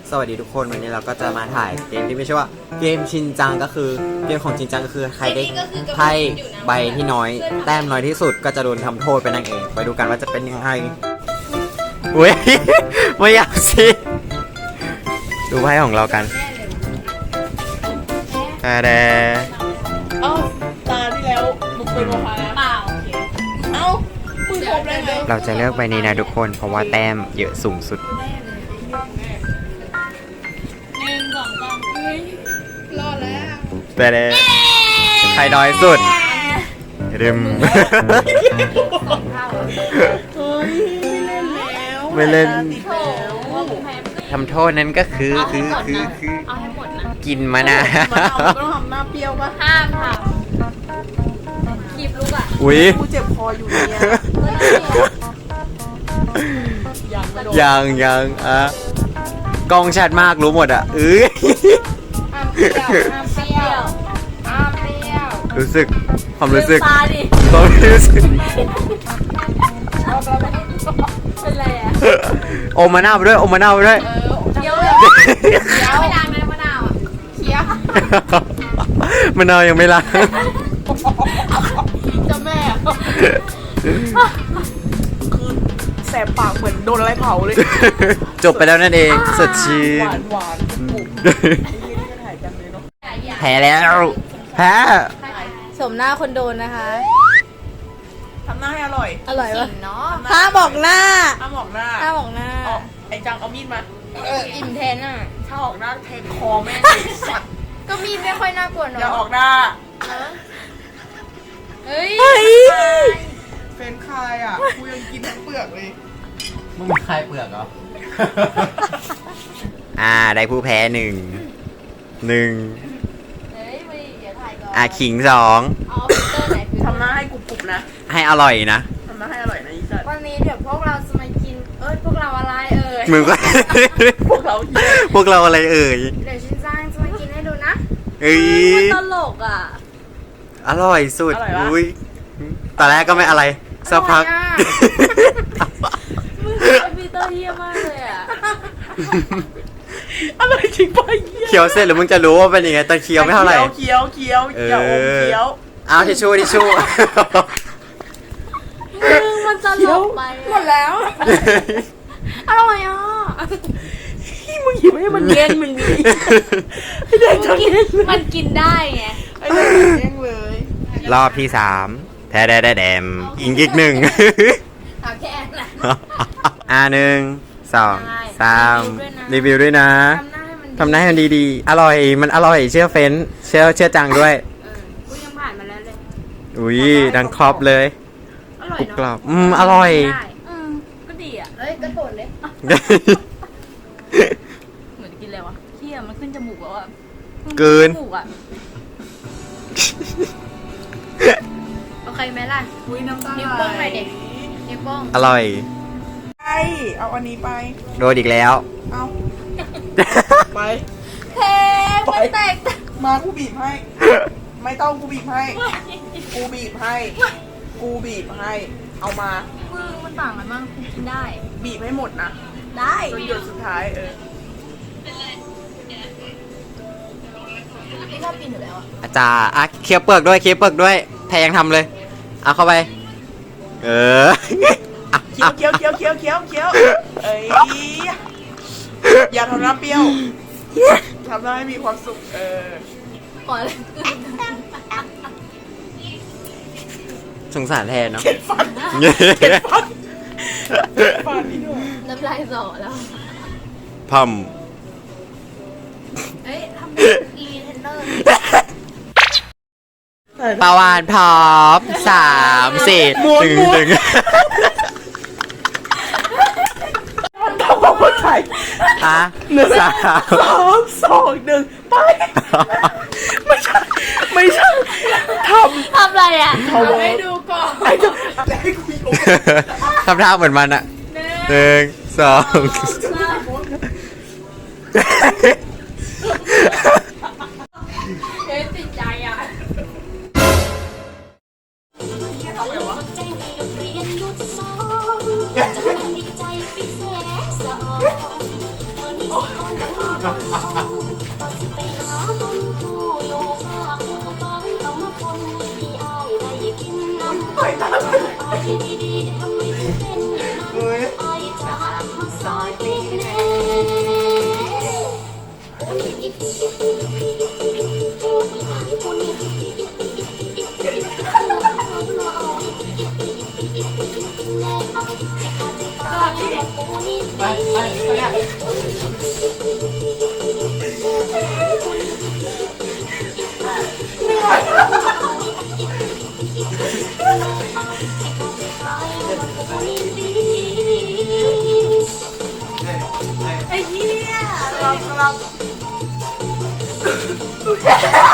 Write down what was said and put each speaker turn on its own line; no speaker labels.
สวัสดีทุกคนวันนี้เราก็จะมาถ่ายเกมที่ไม่ใช่ว่าเกมชินจังก็คือเกมของชินจังก็คือใครได้ไพ่ใบที่น้อยแต้มน้อยที่สุดก็จะโดนทำโทษไปนั่นเองไปดูกันว่าจะเป็นยังไงเว้ยไม่อยากสิดูไพ่ของเรากันแต่
เอ้าตาที่แล้วมึงเป็นโมฆะนะเปล่าโอเคเอ้ามึงครบเลยไง
เราจะเลือกใบนี้นะทุกคนเพราะว่าแต้มเยอะสูงสุด
รอดแล้ว
แต่ใครน้อยสุดริม
เฮ้ยไม่เล่นแล้ว
ไม่เล่น
ติดแล้ว
ทำโทษนั้นก็คือ
เอาให้หมดนะ
กินมานะ
มันต้องทำหน้าเปรี้ยวป่ะ
ห้ามทำคลิปลูกอ่ะ
อุ้ย
กูเจ็บคออยู่เนี่ย
ยังอ่ะกล้องชัดมากรู้หมดอ่ะ
ห้ามเปรี้ยวห้ามเปรี้ยวห้ามเปรี้ยว
รู้สึกความรู้สึก
ตาดิ
ความรู้สึก
เป็นไรอ่ะ
อมมะนาวไปด้วยอมมะนาวไปด้วย
เคี้ยวเลยไม่ล้างนะมะนาวอ่ะเคี้ยว
มะนาวยังไม่ล้าง
จะแม่คือแสบปากเหมือนโดนอะไรเผาเลย
จบไปแล้วนั่นเองสดชื่น
หวานปุ๊บถ่ายกันเลยเนาะ
แพ้แล้วแพ้
สมหน้าคนโดนนะคะ
ทำหน้าให้อร่อย
อร่อยปะเนาะ
ห้ามบอกหน้า ไอ้จังเอามีดมา
อิ่มแทนอ่ะ
ถ้าออกหน้าแทงคอแม่สัตว์
ก็มีไม่ค่อยน่ากลัวเนาะ
อย่าออกหน้า
เฮ้ย
เฟรนคายอ่ะกูยังกินทั้งเปลือกเลย
มึงมีใครเปลือกเหรอ ได้ผู้แพ้หนึ่ง
เฮ้ยไม่อย่าถ่ายก่อน
ขิงสอง
เอาฟิลเตอร์ไหนฟิลเตอร์
ทำหน้าให้กรุบๆนะ
ให้อร่อยนะ
ทำหน้าให้อร่อยนะอีสัตว์
วันนี้เดี๋ยวพวกเราจะมากินพวกเราอะไร
มึงก็
พวกเราเหี้ย
พวกเราอะไรเอ่ย
เดี๋ยวชินจังจะมากินให้ดูนะ
เอ้ย
มันตลกอ่ะ
อร่อยสุดอุ้ยตอนแรกก็ไม่อะไรสักพัก
มึงฟิลเตอร์เยี่ยมากเลยอ่ะ
อะไรจริงปะ
เคี้ยวเสร็จหรือมึงจะรู้ว่าเป็นยังไงตอนเคี้ยวไม่เท่าไหร่
เคี้ยวอย่าอมเคี้ยว
เอาทิชชู่
มึงมันตลกไป
หมดแล้ว
อร่อยอ่ะ
มึงหยิบให้มันแย่งมึงดิไอ้เด็กจะกิน
มันกินได้ไง
ไอ้เด็กแย่งเลย
รอบที่3แท้แดมอีกหนึ่ง
เอาแค่นั้น
1 2 3รีวิวด้วยนะ
ทำหน้าให้มัน
ทำหน้าให้มันดีๆอร่อยมันอร่อยเชื่อเฟ้นเชื่อจังด้วย
กูยังผ่านมาแล้วเลย
อุ้ยดังครอบเลย
อร่อย
กรุบกร
เนาะ
อบอร่อย
ได้ก็ดีอ่ะกระโดดเลยเหมือนกินอะไรวะเที่ยมันขึ้นจมูกแล้วอ่ะ
เกิน
จมูกอ่ะโอเคไหมล่ะ
อุ้ยน้ำตา
นิ้วโป้งหน่อยเด็กนิ้วโป้ง
อร่อย
ไปเอาอันนี้ไป
โดนอีกแล้ว
เอาไป
เทมันแตก
มากูบีบให้ ไม่ต้องกูบีบให้ กูบีบให้ เอามา
มึงมันต่างกันมากกูกินได้
บีบให้หมดนะ
ได้
จนหยดสุดท้าย
ไม่ชอบกินอยู่แล้วอ่ะ
อาจารย์เคี้ยวเปลือกด้วยแพงทำเลยเอาเข้าไป
เคี้ยวเอ้ยอย่าทำน้ำเปรี้ยวทำให้มีความสุข
ก่อนเลย
สงสารแทนเนาะ
ฟันนี่ด้วย
น้ำลายสอแล้ว
พัม
เฮ้ยทำเป็นอีเทนเนอร์
ปาวานพร้อม3 4 1
มันทำความเข้าใจ
3
2 1ไปไม่ใช่
ทำอะไรอ่ะ
ให้ดูก่อนให้กูอีก
ทำท่าเหมือนมันอะ1 2
เฮ้ยติดใจอ่ะ
ต่อยตาเฮ้ย ไอ้เหี้ยเรา